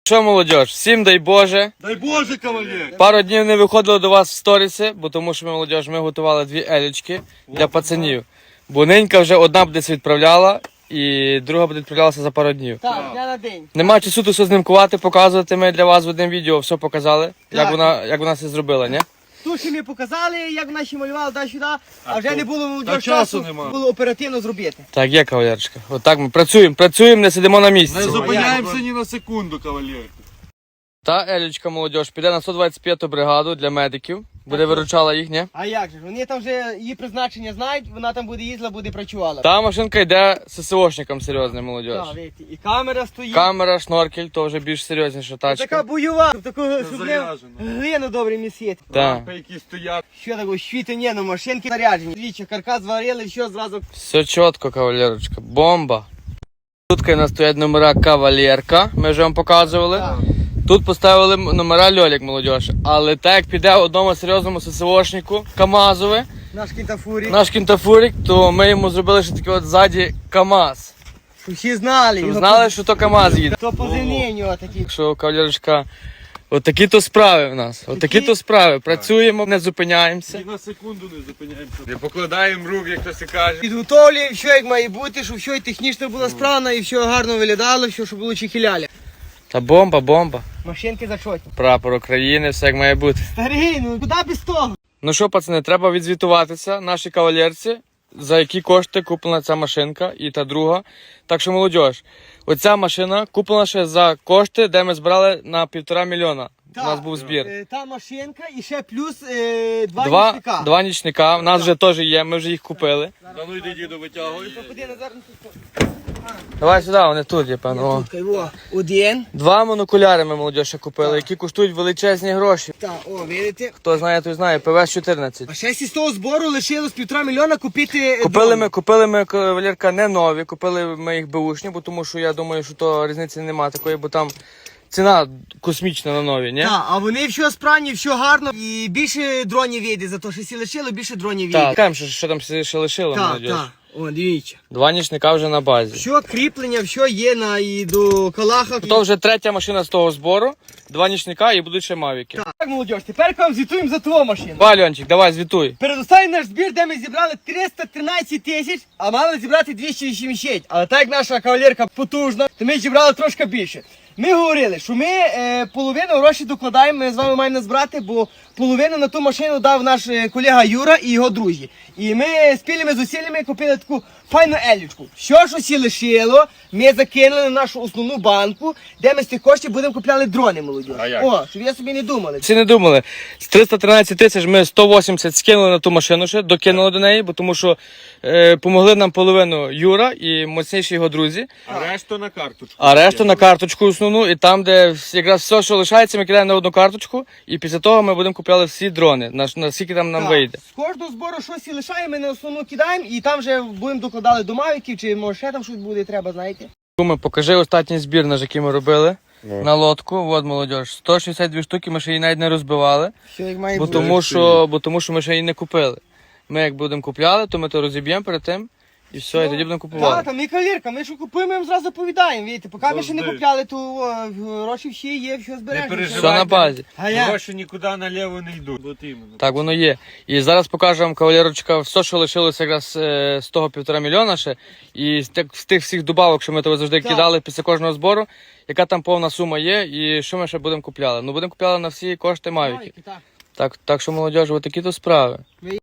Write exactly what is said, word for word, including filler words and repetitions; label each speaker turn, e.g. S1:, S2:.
S1: Що, молодь, всім дай Боже.
S2: Дай Боже, кавалер.
S1: Пару днів не виходило до вас в сторіси, бо тому що ми, молодь, ми готували дві елічки для пацанів. Бо ненька вже одна буде відправляла, і друга буде відправлялася за пару днів.
S3: Так, дня на день.
S1: Нема часу тут все знімкувати, показувати. Ми для вас в одному відео все показали, як вона, як вона це зробила, ні?
S3: Ту, що ми показали, як наші малювали туди-сюди, а вже
S2: то-
S3: не було
S2: та
S3: часу,
S2: часу нема.
S3: було оперативно зробити.
S1: Так, є, кавалерочка. Отак ми працюємо, працюємо, не сидимо на місці.
S2: Не зупиняємося ні на секунду, кавалер.
S1: Та елічка, молодь, піде на сто двадцять п'яту бригаду для медиків. Буде виручала їх, ні?
S3: А як же? Вони там вже її призначення знають, вона там буде їздила, буде працювала.
S1: Та машинка йде ССОшникам серйозним, молодь.
S3: Так, видите, і камера стоїть.
S1: Камера, шноркель, то вже більш серйозніша тачка.
S3: Така бойова, щоб такого, щоб не
S2: заряджена.
S3: глину добре місити.
S1: Так.
S2: Лампи, які стоять.
S3: Що такого, щити ні, ну машинки заряджені. Двічі, каркас зварили, все зразу.
S1: Все чітко, кавалерочка. Бомба. Тут у нас стоять номера кавалерка, ми вже вам показували.
S3: Так.
S1: Тут поставили номера льолік, молодь. Але так як піде одному серйозному ССОшнику КамАЗове,
S3: Наш кінтафурі.
S1: наш кінтафурик, то ми йому зробили ще такий от ззаді КамАЗ.
S3: Щоб всі знали.
S1: Щоб
S3: його
S1: знали, що то КамАЗ їде.
S3: То позивні у нього такі.
S1: Так що, кавалерочка, от такі то справи в нас. От такі то справи. Працюємо, не зупиняємося.
S2: Ні на секунду не зупиняємося. Не покладаємо рук, як хтось і каже.
S3: Підготовлюємо, що як має бути, щоб все і технічно було справно, і все гарно виглядало, все, щоб було чехіляля.
S1: Та бомба, бомба.
S3: Машинки зачотні.
S1: Прапор України, все як має бути.
S3: Старий, ну куди без того?
S1: Ну що, пацани, треба відзвітуватися нашій кавалерці, за які кошти куплена ця машинка і та друга. Так що, молодь, оця машина куплена ще за кошти, де ми збирали на півтора мільйона. У нас був збір.
S3: Е, Та машинка і ще плюс е, два,
S1: Два,
S3: нічника.
S1: два нічника, у нас вже теж є, ми вже їх купили.
S2: Да ну йди, діду, витягуй.
S3: Ходи назад.
S1: Давай сюди, вони тут є, певно. О.
S3: Тут, о, один.
S1: Два монокуляри ми, молодь, ще купили, які коштують величезні гроші.
S3: Так, о, видите.
S1: Хто знає, той знає, ПВС чотирнадцять.
S3: А ще з того збору лишилось півтора мільйона купити. е,
S1: Купили
S3: дрон.
S1: ми, купили ми, кавалерка, не нові, купили ми їх беушні, бо тому що я думаю, що то різниці немає такої, бо там ціна космічна на нові, ні?
S3: Так, а вони все справні, все гарно. І більше дронів вийде, за те, що всі лишили, більше дронів
S1: Так,
S3: вийде.
S1: кажемо, що, що там ще лишило,
S3: Так,
S1: молодь.
S3: так. О, дивіться.
S1: Два нічника вже на базі.
S3: Все кріплення, все є на і до калаха.
S1: То вже третя машина з того збору, два нічника і будуть ще мавіки.
S3: Так, молодь, тепер вам звітуємо за твою машину.
S1: Давай, Льончик, давай, звітуй.
S3: Передостанній наш збір, де ми зібрали триста тринадцять тисяч, а мали зібрати двісті вісімдесят. Але так як наша кавалерка потужна, то ми зібрали трошки більше. Ми говорили, що ми е, половину грошей докладаємо, ми з вами маємо збирати, бо половину на ту машину дав наш е, колега Юра і його друзі. І ми спільними зусиллями купили таку файну елічку. Що ж усі лишило, ми закинули на нашу основну банку, де ми з тих коштів будемо купляли дрони, молоді.
S2: А як?
S3: О, щоб я собі не думали.
S1: Всі не думали, з триста тринадцять тисяч ми сто вісімдесят скинули на ту машину ще, докинули до неї, бо тому що е, помогли нам половину Юра і моцніші його друзі,
S2: А решту на карточку.
S1: а решту на карточку основну, і там, де якраз все, що лишається, ми кидаємо на одну карточку, і після того ми будемо купляти всі дрони, на, на скільки там нам
S3: Так.
S1: вийде.
S3: З кожного збору щось і лишаємо, ми на основну кидаємо, і там вже будемо докладали до мавіків, чи може ще там щось буде, треба, знаєте.
S1: Куме, покажи останній збір, наш, який ми робили на лодку. От, молодь, сто шістдесят дві штуки, ми ще її навіть не розбивали,
S3: Що як має
S1: бо
S3: бути.
S1: тому, що, бо тому що ми ще її не купили. Ми як будемо купляли, то ми то розіб'ємо перед тим, і все, і тоді будемо
S3: Так,
S1: купувати.
S3: там і кавірка, ми що купуємо, ми їм зразу повідаємо, видите, поки ми ще не
S2: Завжди.
S3: купляли, то о, гроші всі є, все збережемо.
S2: переживай.
S1: Все на базі.
S3: А я?
S2: Гроші нікуди наліво не йдуть. От іменно.
S1: Так воно є. І зараз покажу вам, кавалерочка, все, що лишилося якраз е, з того півтора мільйона ще, і з тих, з тих всіх добавок, що ми того завжди
S3: Так.
S1: кидали після кожного збору, яка там повна сума є, і що ми ще будемо купляли. Ну, будемо купляли на всі кошти Мавіки.
S3: Так.
S1: Так, так що, молодь, отакі то справи.